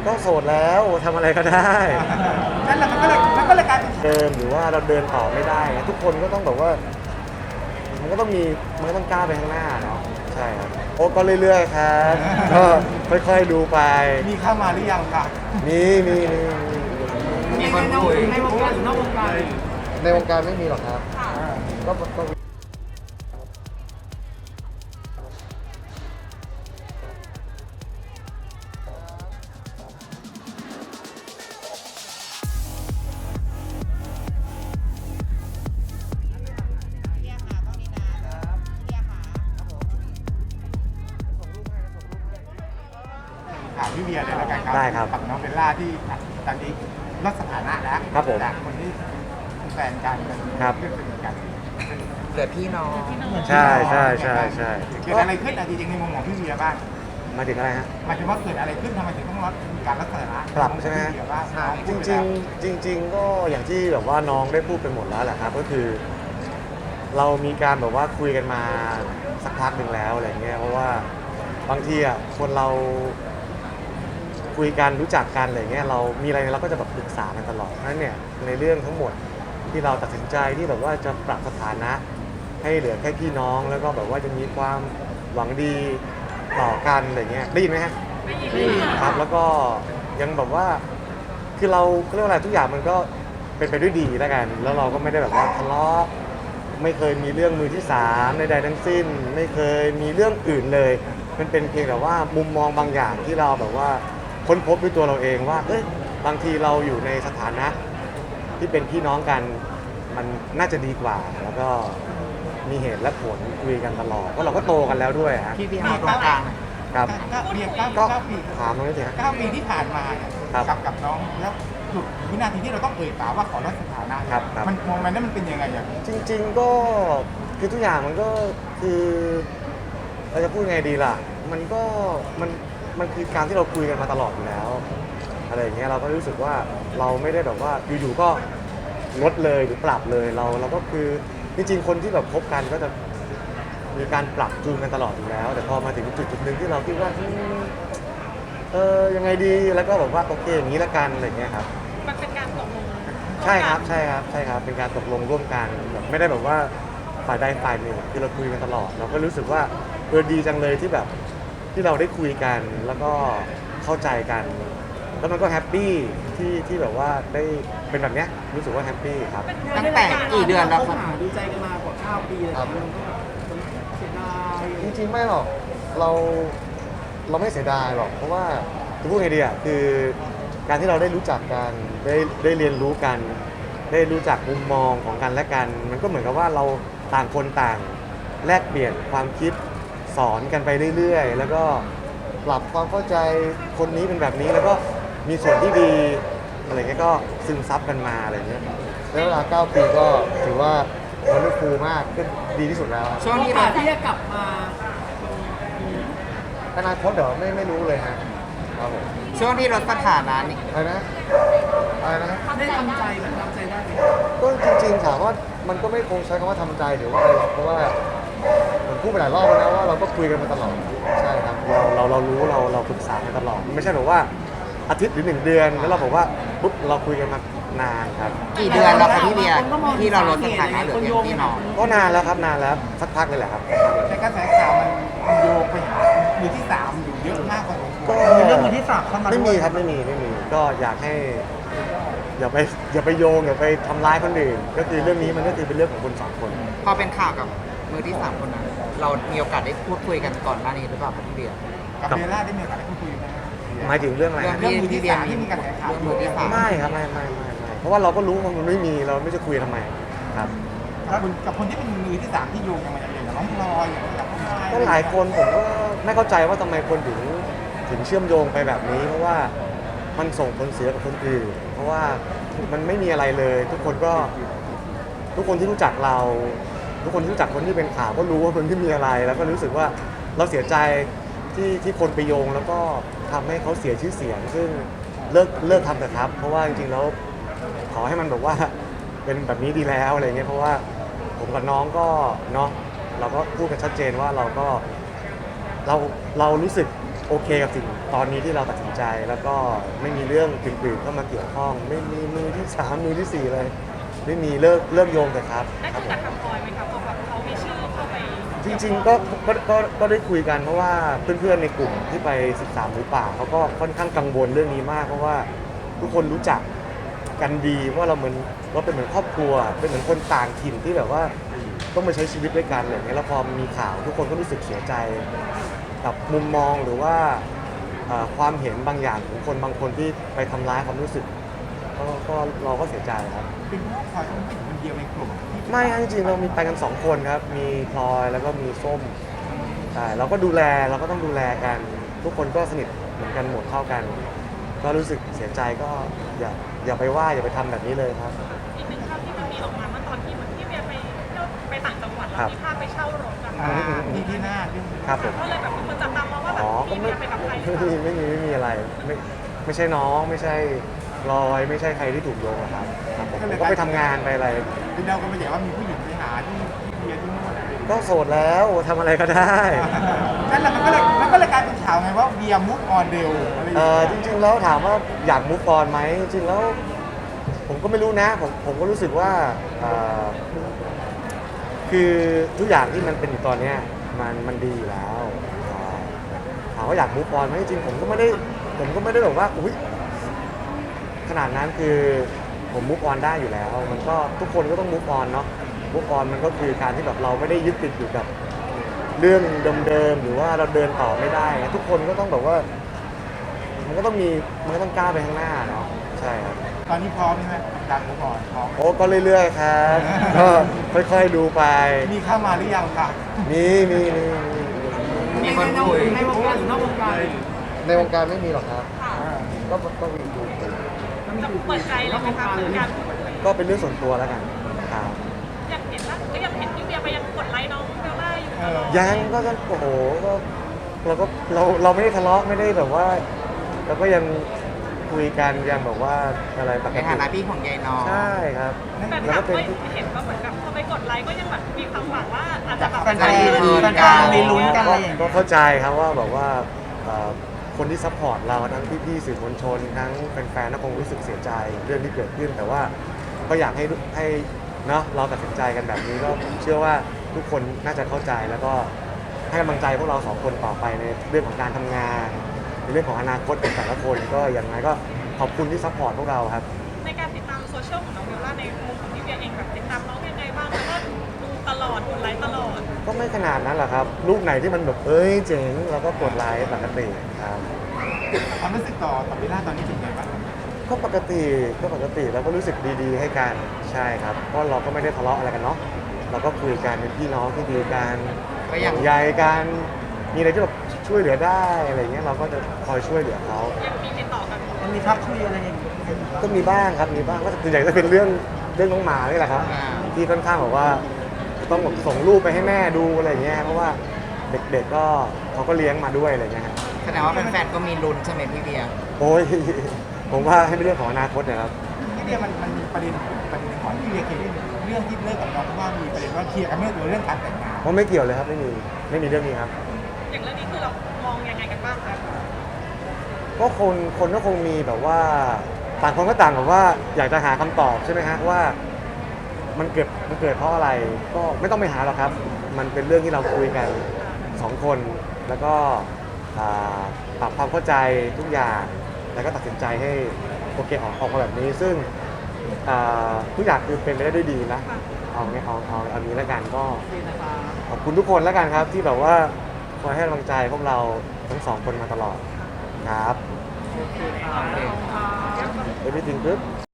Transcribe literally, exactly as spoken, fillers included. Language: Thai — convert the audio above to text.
ก็โสดแล้วทำอะไรก็ได้นั่นแหละมันก็เลยมันก็เลยกลายเป็นเดินหรือว่าเราเดินต่อไม่ได้ทุกคนก็ต้องแบบว่ามันก็ต้องมีมันก็ต้องก้าวไปข้างหน้าเนาะใช่ครับโอ้ก็เรื่อยๆครับก็ค่อยๆดูไปมีเข้ามาหรือยังคะมีมีมีมีมีคนคุยในวงการหรือนอกวงการในวงการไม่มีหรอกครับก็ก็ถามพี่เบียร์เลยแล้วกันครับได้ครับกับน้องเบลล่าที่ตอนนี้ลดสถานะแล้วครับผมจากคนที่เป็นแฟนกันเป็นครับเพื่อนสนิทกันเกิดพี่น้องใช่ใช่ใช่ใช่เกิดอะไรขึ้นอะจริงๆในมุมของพี่เบียร์บ้างมาถึงอะไรฮะหมายถึงว่าเกิดอะไรขึ้นทำไมถึงต้องลดการลดสถานะปรับใช่ไหมฮะพี่เบียร์บ้างจริงๆจริง ๆ ก็อย่างที่แบบว่าน้องได้พูดไปหมดแล้วแหละครับก็คือ เรามีการแบบว่าคุยกันมาสักพักหนึ่งแล้วอะไรเงี้ยเพราะว่าบางทีอ่ะคนเราคุยกันรู้จักกันอะไรเงี้ยเรามีอะไรเราก็จะแบบปรึกษากันตลอดเพราะฉะนั้นเนี่ยในเรื่องทั้งหมดที่เราตัดสินใจที่แบบว่าจะปรับสถานะ ให้เหลือแค่พี่น้องแล้วก็แบบว่าจะมีความหวังดีต่อกันอะไรเงี้ยได้ยินไหมฮะได้ยินครับแล้วก็ยังแบบว่าคือเราเรียกว่าอะไรทุกอย่างมันก็เป็นไปด้วยดีแล้วกัน แล้วเราก็ไม่ได้แบบว่าทะเลาะไม่เคยมีเรื่องมือที่สามใดๆทั้งสิ้น ไม่เคยมีเรื่องอื่นเลย มันเป็นเพียงแต่ว่ามุมมองบางอย่างที่เราแบบว่าค้นพบด้วยตัวเราเองว่าเอ้ยบางทีเราอยู่ในสถานะที่เป็นพี่น้องกันมันน่าจะดีกว่า แล้วก็มีเหตุและผลคุยกันตลอดเพราะเราก็โตกันแล้วด้วยฮะพี่พี่เอาตรงกลางหน่อยครับเก้าเบียร์เก้าก็เก้าปีถามตรงนี้สิฮะเก้าปีที่ผ่านมาเนี่ยครับกับกับน้องแล้วจุดวินาทีที่เราต้องเอ่ยปากว่าขอลดสถานะครับครับมันโมเมนต์นั้นมันเป็นยังไงอย่างจริงๆก็คือทุกอย่างมันก็คือเราจะพูดไงดีล่ะ มันก็มันมันคือการที่เราคุยกันมาตลอดอยู่แล้วอะไรอย่างเงี้ยเราก็รู้สึกว่าเราไม่ได้แบบว่าอยู่ๆก็ลดเลยหรือปรับเลยเราเราก็คือจริงๆคนที่แบบคบกันก็จะมีการปรับจูนกันตลอดอยู่แล้ว แต่พอมาถึงจุดจุดๆหนึ่งที่เราคิดว่าอืมเออยังไงดีแล้วก็แบบว่าโอเคอย่างนี้ละกันอะไรอย่างเงี้ยครับมันเป็นการตกลงใช่ครับใช่ครับใช่ครับเป็นการตกลงร่วมกันแบบไม่ได้แบบว่าฝ่ายใดฝ่ายหนึ่งคือเราคุยกันตลอด เราก็รู้สึกว่าเออดีจังเลยที่แบบที่เราได้คุยกันแล้วก็เข้าใจกัน แล้วมันก็แฮปปี้ที่ที่แบบว่าได้เป็นแบบเนี้ยรู้สึกว่าแฮปปี้ครับตั้งแต่กี่เดือนแล้วครับดูใจกันมากว่าเก้าปีเลยครับมันก็เสียดายจริงๆไม่หรอกเราเราไม่เสียดายหรอกเพราะว่าจะพูดไงดีอ่ะคือการที่เราได้รู้จักกันได้ได้เรียนรู้กัน ได้รู้จักมุมมองของกันและกัน มันก็เหมือนกับว่าเราต่างคนต่างแลกเปลี่ยนความคิดสอนกันไปเรื่อยๆ แล้วก็ปรับความเข้าใจคนนี้เป็นแบบนี้แล้วก็มีส่วนที่ดีอะไรเงี้ยก็ซึมซับกันมาอะไรเงี้ยแล้วเวลาเก้าปีก็ถือว่ามันได้ฟูมากก็ดีที่สุดแล้วช่วงโอที่กาเราสที่จะกลับมาอนาคตเดี๋ยวไม่ไม่รู้เลยฮะครับผมช่วงที่ลดสถานะนี่อะไรนะอะไรนะได้ทำใจเหมือนทำใจได้ไหมก็จริงๆถามว่ามันก็ไม่คงใช้คำว่าทำใจหรือว่าอะไรหรอกเพราะว่าผมพูดไปหลายรอบแล้วนะว่าเราก็คุยกันมาตลอดใช่ครับเราเราเรารู้เราเราปรึกษากันตลอดไม่ใช่แบบว่าอาทิตย์หรือหนึ่งเดือนแล้วเราบอกว่าปุ๊บเราคุยกันมานานครับกี่เดือนแล้วครับพี่เบียร์ที่เราลดสถานะเหลือเพียงพี่น้องก็นานแล้วครับนานแล้วสักพักเลยแหละครับแต่กระแสข่าวมันมันโยงไปหามือที่สามอยู่เยอะมากกว่าก็มีเรื่องมือที่สามเข้ามาไม่ด้มีวยครับไม่มีไม่มีก็อยากให้อย่าไปอย่าไปโยงอย่าไปทำร้ายคนอื่นก็คือเรื่องนี้มันก็คือเป็นเรื่องของคนสองคนพอเป็นข่าวกับมือที่สามคนนั้น เรามีโอกาสได้พูดคุยกันก่อนหน้านี้หรือเปล่าครับพี่เบียร์กับเบลล่าได้มีโอกาสได้พูดคุยไหมหมายถึงเรื่องอะไรเรื่องฮะที่พี่เบียร์มีที่มีกระแสข่าวเรื่องมือที่สามไม่ครับไม่ไม่ไม่ไม่เพราะว่าเราก็รู้ว่ามันไม่มีเราไม่จะคุยทำไมครับกับคนกับคนที่เป็นมือที่สามที่โยงกันมาอย่างอย่างน้องพลอยอย่างกับน้องไม้ก็หลายคนผมก็ไม่เข้าใจว่าทำไมคนถึงถึงเชื่อมโยงไปแบบนี้ เพราะว่ามันส่งผลเสียกับคนอื่น เพราะว่ามันไม่มีอะไรเลย ทุกคนก็ทุกคนที่รู้จักเรา ทุกคนที่รู้จักคนที่เป็นข่าวก็รู้ว่าคนที่มีอะไร แล้วก็รู้สึกว่าเราเสียใจที่ที่คนไปโยง แล้วก็ทำให้เขาเสียชื่อเสียง ซึ่งเลิกเลิกทำเถอะครับ เพราะว่าจริงๆแล้วขอให้มันแบบว่าเป็นแบบนี้ดีแล้วอะไรเงี้ยเพราะว่าผมกับน้องก็เนาะเราก็พูดกันชัดเจนว่าเราก็เราเรารู้สึกโอเคกับสิ่งตอนนี้ที่เราตัดสินใจ แล้วก็ไม่มีเรื่องอื่นๆเข้ามาเกี่ยวข้อง ไม่มีมือที่สามมือที่สี่เลย ไม่มีเลิกเลิกโยงแต่ครับได้ครับคุยผมกับทางพลอยไหมครับเพราะแบบเขามีชื่อเข้าไปจริงๆก็ก็ก็ก็ได้คุยกันเพราะว่าเพื่อนๆในกลุ่มที่ไปสิบสามหมูป่าเขาก็ค่อนข้างกังวลเรื่องนี้มากเพราะว่าทุกคนรู้จักกันดีว่าเราเหมือนเราเป็นเหมือนครอบครัวเป็นเหมือนคนต่างถิ่นที่แบบว่าต้องมาใช้ชีวิตด้วยกันอะไรอย่างเงี้ยแล้วพอมีข่าวทุกคนก็รู้สึกเสียใจกับมุมมองหรือว่าเอ่อความเห็นบางอย่างของคนบางคนที่ไปทำร้ายความรู้สึกก็ก็เราก็เสียใจครับเป็นเพราะพลอยต้องเป็นคนเดียวในกลุ่มที่ไม่ครับจริงๆเรามีไปกันสองคนครับ มีพลอยแล้วก็มีส้มใช่เราก็ดูแลเราก็ต้องดูแลกัน ทุกคนก็สนิทเหมือนกันหมดเท่ากัน ก็รู้สึกเสียใจก็อย่าอย่าไปว่าอย่าไปทำแบบนี้เลยครับอีกหนึ่งภาพที่มันมีออกมาเมื่อตอนที่เหมือนพี่เบียร์ไปเที่ยวไปต่างจังหวัดครัแล้วบมีภาพไปเช่ารถกันอ่าที่ที่หน้าที่ครับผมก็เลยแบบมีคนจับตามองว่าแบบอ๋อก็พี่ไม่เบียร์ไปกับใครหรือไม่เปมีล่าไม่มีไม่มีอะไรไม่ไม่ใช่น้องไม่ใช่ลอยไม่ใช่ใครที่ถูกโยงหรอกครับครับผมผมก็ไปทำงานไปอะไรที่เราก็ไม่ใช่ว่ามีผู้หญิงไปหาที่ที่เบียร์ที่นู่นอะไรอย่างเงี้ยก็โสดแล้วทำอะไรก็ได้นั่นแหละมันก็เลยมันก็เลยกลายเป็นข่าวไงว่าเบียร์มุกออนเดลอะไรอย่างเอเงี้อย จริงๆแล้วถามว่าอยากมูฟออนไหมจริงๆแล้วผมก็ไม่รู้นะผมผมก็รู้สึกว่าเอ่อคือทุกอย่างที่มันเป็นอยู่ตอนเนี้ยมันมันดีอยู่แล้วเอ่อถามว่าอยากมูฟออนไหมจริงๆผมก็ไม่ได้ผมก็ไม่ได้แบบว่าอุ้ยขนาดนั้นคือผมมูฟออนได้อยู่แล้ว มันก็ทุกคนก็ต้องมูฟออนเนาะมูฟออนมันก็คือการที่แบบเราไม่ได้ยึดติดอยู่กับเรื่องเดิมๆหรือว่าเราเดินต่อไม่ได้ ทุกคนก็ต้องแบบว่า มันก็ต้องมีมันก็ต้องก้าวไปข้างหน้าเนาะใช่ครับตอนนี้พร้อมใช่ไหมกับการมุกออนพร้อมโอ้ก็เรื่อยๆครับ ก็ค่อยๆดูไปมีเข้ามาหรือยังคะมีมีมีมีมีคนคุยในวงการหรือนอกวงการในวงการไม่มีหรอกครับ ก็ก็มีดูจะเปิดใจเลยไหมคะเหมือนกันก็เป็นเรื่องส่วนตัวแล้วกันครับอยากเห็นว่าก็ยังเห็นพี่เบียร์ไปยังกดไลค์น้องเบลล่าอยู่ตลอดยังก็ก็โอ้โหก็เราก็เราเราไม่ได้ทะเลาะไม่ได้แบบว่าเราก็ยังคุยกันยังแบบว่าอะไรปกในติฐานะพี่ของยายน้องใช่ครับแต่แล้วถาก็มเป็นว่าเห็นว่าเหมือนกับพอไปกดไลค์ก็ยังแบบมีความหวังว่าอาจจะแบบแฟนๆแฟนๆไปลุ้นกันอะไรอย่างก็เงี้ยเข้าใจครับว่าแบบว่าเอ่อคนที่ซัพพอร์ตเราทั้งพี่ๆสื่อมวลชนทั้งแฟนๆก็คงรู้สึกเสียใจเรื่องที่เกิดขึ้น แต่ว่าก็อยากให้ให้เนาะเราตัดสินใจกันแบบนี้ก็ผมเชื่อว่าทุกคนน่าจะเข้าใจแล้วก็ให้กำลังใจพวกเราสองคนต่อไปในเรื่องของการทำงานในเรื่องของอนาคตของแต่ละคนก็อย่างไรก็ขอบคุณที่ซัพพอร์ตพวกเราครับในการติดตามโซเชียลของน้องเบลล่าในมุมของพี่เบียร์เองแบบติดตามน้องยังไงบ้างแล้วก็ดูตลอดกดไลค์ตลอดก็ไม่ขนาดนั้นหรอกครับรูปไหนที่มันแบบเอ้ยเจ๋งเราก็กดไลค์ปกติครับความรู้สึกต่อต่อเบลล่าตอนนี้เป็นไงบ้างก็ปกติก็ปกติแล้วก็รู้สึกดีๆ ให้กันใช่ครับเพราะเราก็ไม่ได้ทะเลาะอะไรกันเนาะเราก็คุยกันเป็นพี่น้องที่ดีกันก็อย่างใยกันมีอะไรที่แบบช่วยเหลือได้อะไรเงี้ยเราก็จะคอยช่วยเหลือเขายังมีติดต่อกันมันมีทักคุยอะไรอย่างเงี้ยก็มีบ้างครับมีบ้างก็ส่วนใหญ่จะเป็นเรื่องเรื่องน้องหมานี่แหละครับอ่าที่ค่อนข้างแบบว่าต้องแบบส่งรูปไปให้แม่ดูอะไรเงี้ยเพราะว่าเด็กๆก็เขาก็เลี้ยงมาด้วยอะไรเงี้ยฮะแสดงว่าแฟนๆก็มีลุ้นใช่ไหมพี่เบียร์โอ้ย ผมว่าให้เป็นเรื่องของอนาคตนะครับที่เบียร์มันมันมีประเด็นประเด็นของที่เบียร์เคยได้เรื่องที่เลิกกับน้องเพราะว่ามีประเด็นว่าเคลียร์กันเรื่องเรื่องการแต่งงานเพราะไม่เกี่ยวเลยครับไม่มีไม่มีเรื่องนี้ครับอย่างเรื่องนี้คือเรามองยังไงกันบ้างคะก็คนคนก็คงมีแบบว่าต่างคนก็ต่างแบบว่าอยากจะหาคำตอบใช่ไหมฮะว่ามันเกิดมันเกิดเพราะอะไรก็ไม่ต้องไปหาหรอกครับ มันเป็นเรื่องที่เราคุยกันสองคนแล้วก็อ่าปรับความเข้าใจทุกอย่างแล้วก็ตัดสินใจให้โอเคออกออกมาแบบนี้ ซึ่งอ่าทุกอย่างคือเป็นไปได้ด้วยดีนะเอาไงเอาเอาเอานี้แล้วกันก็ดีนะคะขอบคุณทุกคนแล้วกันครับที่แบบว่าคอยให้กำลังใจพวกเราทั้งสองคนมาตลอดครับโอเคค่ะ Everything good